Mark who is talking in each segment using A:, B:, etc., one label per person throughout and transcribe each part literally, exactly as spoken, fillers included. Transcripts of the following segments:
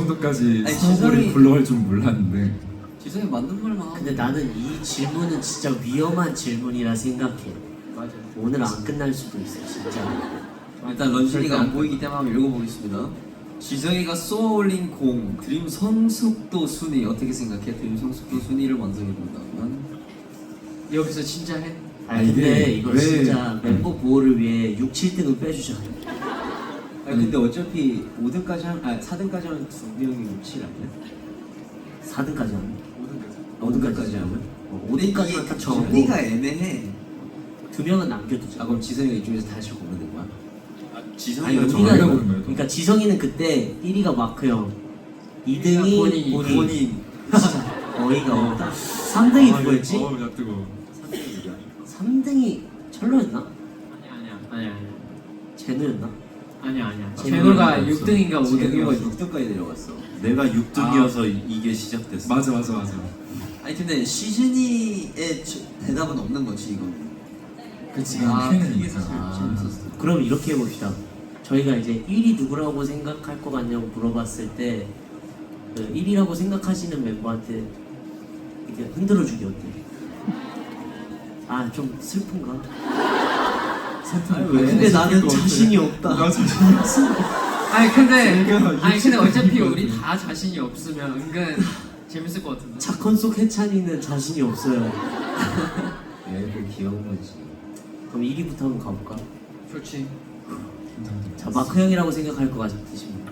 A: 정도까지
B: 아니,
A: 스노볼이
B: 지성이-
A: 굴러갈 줄 몰랐는데.
B: 지성이 맞는 말만 하고.
C: 근데 나는 이 질문은 진짜 위험한 질문이라 생각해.
D: 맞아.
C: 오늘 안 끝날 수도 있어 진짜.
B: 일단 런쥔이가 안 보이기 때문에 한번 읽어보겠습니다. 지성이가 쏘아올린 공 드림 성숙도 순위 어떻게 생각해? 드림 성숙도 순위를 완성해본다면
D: 여기서 진짜 해?
C: 아니 근데 이거
A: 왜-
C: 진짜 멤버 보호를 위해 육, 칠 등은 빼주자.
E: 아니 근데 어차피 오 등까지 한, 아 사 등까지 하면 두 명이 육, 칠 아니야?
C: 사 등까지 하면?
E: 오 등까지 하면?
C: 어, 오 등까지만 딱 정하고
B: 순위가 애매해.
C: 두 명은 남겨두자.
E: 아 그럼 지성이가 이쪽에서 다시 고르는 거야?
C: 아니
A: 지성이가
C: 우리가
A: 정하려고 그러면
C: 그러니까 지성이는 그때 일 위가 마크 형, 이 등이
D: 본인이.
C: 본인.
B: 본인.
C: 어이가 없다. 삼 등이 누구였지?
A: 어, 야 뜨거.
C: 삼 등이 철로였나?
D: 아니야 아니야 아니야 아니야
C: 제노였나?
D: 아니야 아니야.
A: 아,
D: 제노가
A: 제노가
D: 육 등인가 오
E: 지성이가
D: 등이었어.
E: 육 등까지 내려갔어.
F: 내가 육 등이어서 이게 시작됐어.
A: 맞아 맞아 맞아.
B: 아니 근데 시즌이의 대답은 없는 거지 이거.
A: 그치.
D: 아,
A: 팬은
D: 그게
A: 있어.
D: 사실
B: 재밌었어.
C: 그럼 이렇게 해봅시다. 저희가 이제 일 위 누구라고 생각할 것 같냐고 물어봤을 때 그 일 위라고 생각하시는 멤버한테 이렇게 흔들어주기 어때? 아 좀 슬픈가?
A: 슬픈.
C: 왜? 근데 나는 자신이 없다.
A: 나 자신이 없어.
D: 아니 근데
A: 제가
D: 아니 근데 어차피
A: 육십
D: 우리
A: 등이거든.
D: 다 자신이 없으면 은근 재밌을 것 같은데.
C: 착한 속 해찬이는 자신이 없어요.
E: 얘들 귀여운 거지.
C: 그럼 일 위부터 한번 가볼까?
D: 좋지.
C: 자 마크 형이라고 생각할 것 같으십니다.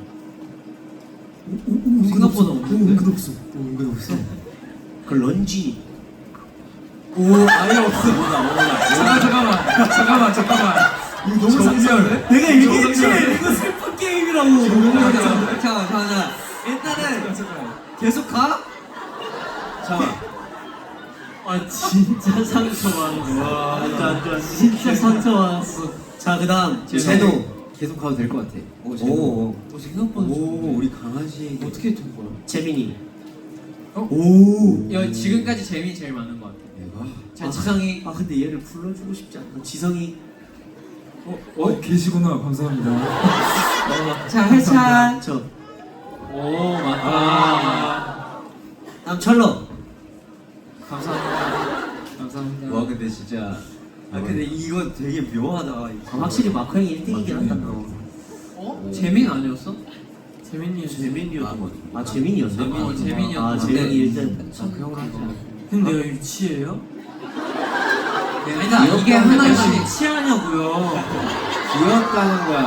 D: 생각보다 없는데.
C: 은근 없어. 은근 없어. 그 런쥔이.
A: 오 아예 없어.
D: 잠깐 잠깐만 잠깐만 잠깐만.
A: 이거 너무 상처네.
C: 내가
A: 얘기했지.
C: 이거 슬픈 게임이라고.
B: 잠깐만 잠깐만 잠깐만. 일단은 계속 가.
E: 잠깐.
C: 아 진짜 상처받았어. 와 안돼 안돼 진짜 상처받았어. 자 그다음 제노.
E: 계속 가도 될 것 같아.
B: 오,
E: 오,
B: 오 생각보다
E: 오, 우리 강아지.
D: 어떻게 된 거야?
C: 재민이.
D: 어?
C: 오.
D: 야 지금까지 재미 제일 많은 것 같아.
E: 얘가
D: 자 지성이.
C: 아 근데 얘를 불러주고 싶지 않아. 지성이.
A: 어, 어 계시구나. 감사합니다.
D: 자 해찬.
C: 저.
D: 오 맞다.
C: 다음 철로.
D: 감사합니다. 감사합니다.
E: 와 근데 진짜.
B: 아 근데 이거 되게 묘하다.
C: 아, 확실히 마크 형이 일 등이긴 한다. 어.
D: 어? 재민 아니었어?
E: 재민이 재민이었던 것 같아.
C: 아 재민이었나?
D: 재민이,
C: 아,
D: 재민이었나?
C: 아 재민이 일 등.
E: 그 형을 하자.
D: 형 내가 유치해요?
C: 귀엽다는
D: 일단 이게 하나씩
C: 거지.
D: 치하냐고요.
E: 귀엽다는 거야.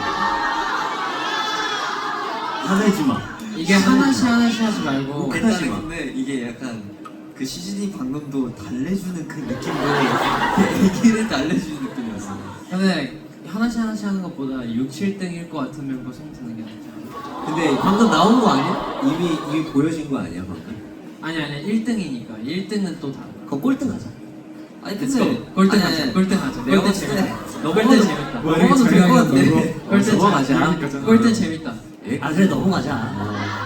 C: 화내지 마.
D: 이게 하나씩 하나씩 하지 말고.
B: 일단은 근데 이게 약간 그 시즌이 방금도 달래주는 그 느낌으로 얘기를 달래주는 느낌이었어.
D: 근데 하나씩 하나씩 하는 것보다 육, 칠 등일 것 같은 멤버 선택하는 게 낫지 않아?
E: 근데
C: 방금 나온 거 아니야?
E: 이미 이미 보여진 거 아니야 방금?
D: 아니 아니 일 등이니까 일 등은 또 다르다.
C: 그거 꼴등 가자.
B: 아니
D: 렛츠고. 꼴등 하자. 꼴등 하자.
B: 내가
D: 꼴등
B: 봤을 때
D: 재밌다. 꼴등 재밌다.
A: 뭐,
B: 넘어가도 될 것
A: 장난이야,
B: 같은데.
A: 너무.
D: 꼴등
C: 넘어가자.
D: 재밌다. 꼴등 재밌다.
C: 아 그래 넘어가자.